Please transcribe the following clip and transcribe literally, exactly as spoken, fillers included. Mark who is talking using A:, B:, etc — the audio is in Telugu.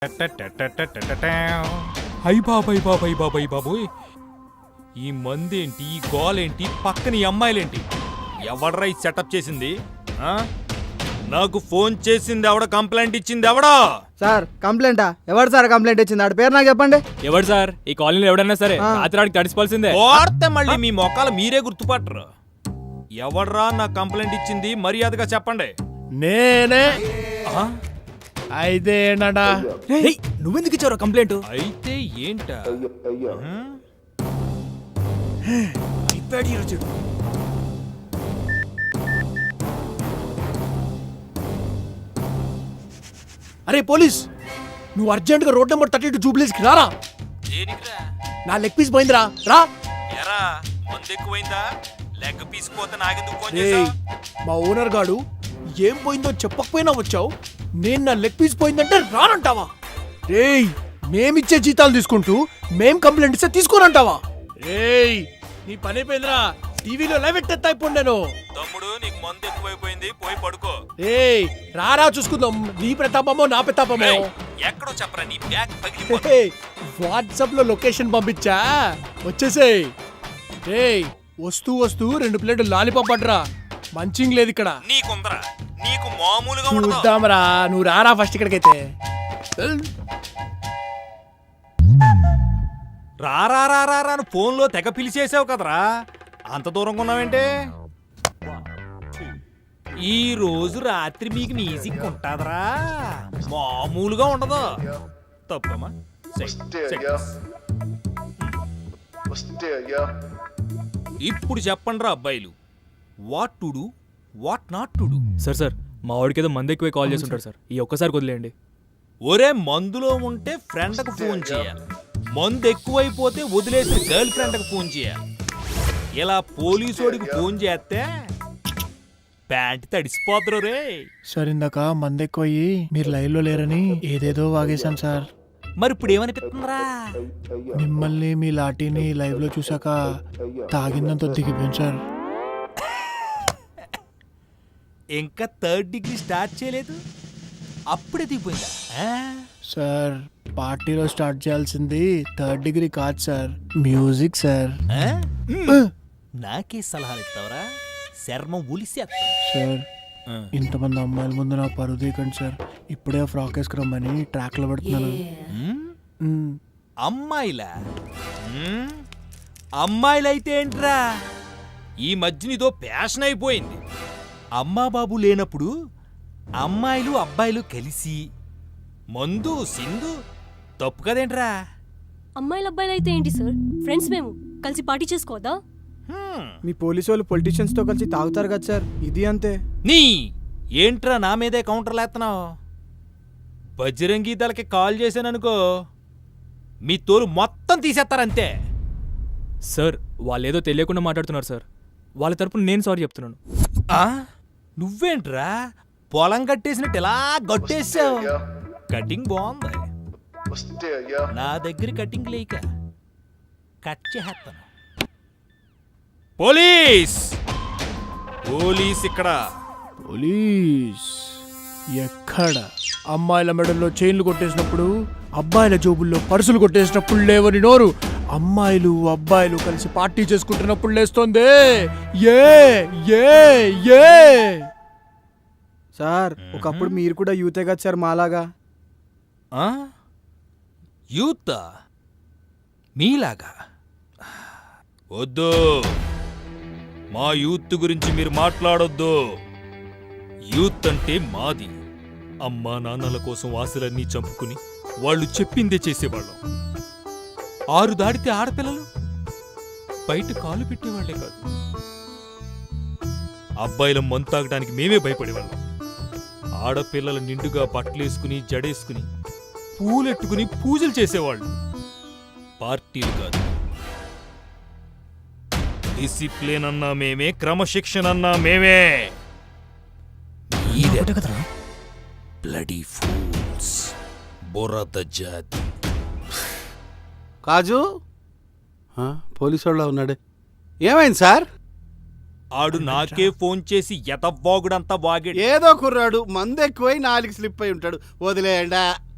A: హై బాబాయ్ బాబాయ్ బాబాయ్ బాబోయ్, ఈ మందేంటి, ఈ గోలేంటి, పక్కన ఈ అమ్మాయిలేంటి? ఎవడ్రా ఈ సెటప్ చేసింది? ఆ? నాకు ఫోన్ చేసింది ఎవడ? కంప్లైంట్ ఇచ్చింది ఎవడా?
B: సార్ కంప్లైంటా? ఎవరు సార్ కంప్లైంట్ ఇచ్చింది? ఆడ పేరు నాకు చెప్పండి.
C: ఎవరు సార్? ఈ కాలనీలో ఎవడన్నా సరే రాత్రి తడిసిపోవాల్సిందే.
A: కోడితే మళ్ళీ మీ మొక్కలు మీరే గుర్తుపట్టరు. ఎవడ్రా నాకు కంప్లైంట్ ఇచ్చింది? మర్యాదగా చెప్పండి.
D: నేనే.
A: ఆ?
D: అయితే ఏంటంటా?
C: నువ్వెందుకు ఇచ్చావు కంప్లైంట్?
A: అయితే ఏంటా?
D: అరే పోలీస్, నువ్వు అర్జెంట్ గా రోడ్ నెంబర్ థర్టీ టూ జూబ్లీస్కి రారా.
A: దేనికిరా?
D: నా లెగ్ పీస్ పోయిందిరా, రా.
A: ఎరా మందు ఎక్కువైందా? లెగ్ పీసిపోతే నాకెందుకు ఫోన్
D: ఏయ్,
A: చేసావు?
D: మా ఓనర్ గాడు ఏం పోయిందో చెప్పకపోయినా వచ్చావు. నేను నా లెగ్ పీస్ పోయిందంటే రానంటావా? రేయ్, మేమిచ్చే జీతాలు తీసుకుంటూ మేం కంప్లైంట్ ఇస్తే తీసుకోనంటావా? రేయ్, నీ పని అయిపోయిందిరా. టీవీలో లైవ్ ఎట్టేస్తా ఇప్పుడు నేను.
A: తమ్ముడు నీకు మందు ఎక్కువైపోయింది, పోయి పడుకో.
D: ఏయ్, రారా చూసుకుందాం నీ ప్రతాపమో నా ప్రతాపమో.
A: ఏయ్, ఎక్కడో చెప్పరా, నీ బ్యాగ్ పగిలిపోతుంది.
D: వాట్సాప్ లో లొకేషన్ పంపించా, వచ్చేసేయ్. ఏయ్, వస్తూ వస్తూ రెండు ప్లేట్లు లాలీపాప్ అడ్రా. మంచింగ్ లేదు ఇక్కడ.
A: నీకుందరా, నీకు మామూలుగా ఉండదు.
D: చూద్దాంరా, నువ్వు రారా ఫస్ట్ ఇక్కడికైతే.
A: రారా రారా అని ఫోన్ లో తెగ పిలిచేసావు కదరా, అంత దూరంగా ఉన్నావేంటే? ఈ రోజు రాత్రి మీకు మ్యూజిక్ ఉంటుందరా, మామూలుగా ఉండదు. తప్పమ్మా. ఇప్పుడు చెప్పండి రా అబ్బాయిలు, what to do, what not to do.
C: Sir sir మా వాడికి ఏదో మంది ఎక్కువ కాల్ చేసి ఉంటారు సార్, ఈ ఒక్కసారి వదిలేయండి.
A: ఒరే, మందులో ఉంటే ఫ్రెండ్కి ఫోన్ చేయాలి, మందు ఎక్కువైపోతే వదిలేసి గర్ల్ ఫ్రెండ్కి ఫోన్ చేయాలి. ఇలా పోలీసోడికి ఫోన్ చేస్తే ప్యాంట్ తడిసిపోతారు రే.
D: సార్, ఇందాక మంది ఎక్కువయ్యి మీరు లైవ్ లో లేరని ఏదేదో వాగేశాం సార్.
A: మరి ఇప్పుడు ఏమనిపిస్తుందిరా?
D: మిమ్మల్ని మీ లాఠీని లైవ్ లో చూసాక తాగిందంతో దిగిపోయాం సార్.
A: ఇంకా థర్డ్ డిగ్రీ స్టార్ట్ చేయలేదు, అప్పుడే దిగిపోయిందా?
D: సార్, పార్టీలో స్టార్ట్ చేయాల్సింది థర్డ్ డిగ్రీ కాదు సార్, మ్యూజిక్ సార్.
A: నాకే సలహాలు ఇస్తావరా? శర్మం ఉలిసేస్తా.
D: సార్, ఇంతమంది అమ్మాయిల ముందు నా పరువు తీయకండి సార్. ఇప్పుడే ఫ్రాక్ వేసుకురమ్మని ట్రాక్ లో పెడుతున్నాను. మ్.
A: అమ్మాయిలా? మ్మ్? అమ్మాయిలైతే ఏంట్రా, ఈ మధ్య ఇదో ప్యాషన్ అయిపోయింది. అమ్మా బాబు లేనప్పుడు అమ్మాయిలు అబ్బాయిలు కలిసి మందు సింధు తప్పు కదేంట్రా?
E: అమ్మాయిల అబ్బాయిలు అయితే ఏంటి సార్, ఫ్రెండ్స్ మేము కలిసి పార్టీ చేసుకోవద్దా?
B: మీ పోలీసు వాళ్ళు పొలిటీషియన్స్ తో కలిసి తాగుతారు కదా సార్, ఇది అంతే.
A: నీ ఏంట్రా నా మీదే కౌంటర్లు ఎత్తనావు? బజరంగీ దళకి కాల్ చేశాననుకో, మీ తోలు మొత్తం తీసేస్తారంతే.
C: సార్, వాళ్ళు ఏదో తెలియకుండా మాట్లాడుతున్నారు సార్, వాళ్ళ తరపున నేను సారీ చెప్తున్నాను.
A: ఆ? నువ్వేంట్రా పొలం కట్టేసినట్టు ఎలా గట్టేసావు? కటింగ్ బాగుంది. నా దగ్గర కటింగ్ లేక కట్ చేస్తాను. పోలీస్ పోలీస్ ఇక్కడ.
D: పోలీస్ ఎక్కడ? అమ్మాయిల మెడల్లో చైన్లు కొట్టేసినప్పుడు, అబ్బాయిల జోబుల్లో పర్సులు కొట్టేసినప్పుడు లేవని నోరు, అమ్మాయిలు అబ్బాయిలు కలిసి పార్టీ చేసుకుంటున్నప్పుడు లేస్తోంది. ఏ ఏ ఏ
B: సార్, ఒకప్పుడు మీరు కూడా యూతే కదా సార్ మాలాగా.
A: ఆ? యూత్ మీలాగా? వద్దు, మా యూత్ గురించి మీరు మాట్లాడొద్దు. యూత్ అంటే మాది. అమ్మా నాన్నల కోసం ఆశలన్నీ చంపుకుని వాళ్ళు చెప్పిందే చేసేవాళ్ళం. ఆరు దాటితే ఆడపిల్లలు బయట కాలు పెట్టేవాళ్లే కాదు, అబ్బాయిల మందు తాగడానికి మేమే భయపడేవాళ్ళం. ఆడపిల్లల నిండుగా బట్టలేసుకుని జడేసుకుని పూలెట్టుకుని పూజలు చేసేవాళ్ళు. పార్టీలు కాదు. డిసిప్లిన్ అన్నా మేమే, క్రమశిక్షణ అన్నా మేమే. బ్లడీ ఫూల్స్, బురద జాతి.
F: కాజు పోలీసు వాళ్ళ ఉన్నాడే, ఏమైంది సార్?
A: ఆడు నాకే ఫోన్ చేసి ఎతవ్వాగుడంతా వాగాడు.
F: ఏదో కుర్రాడు మందు ఎక్కువై నాలుగు స్లిప్ అయి ఉంటాడు, వదిలేయండా.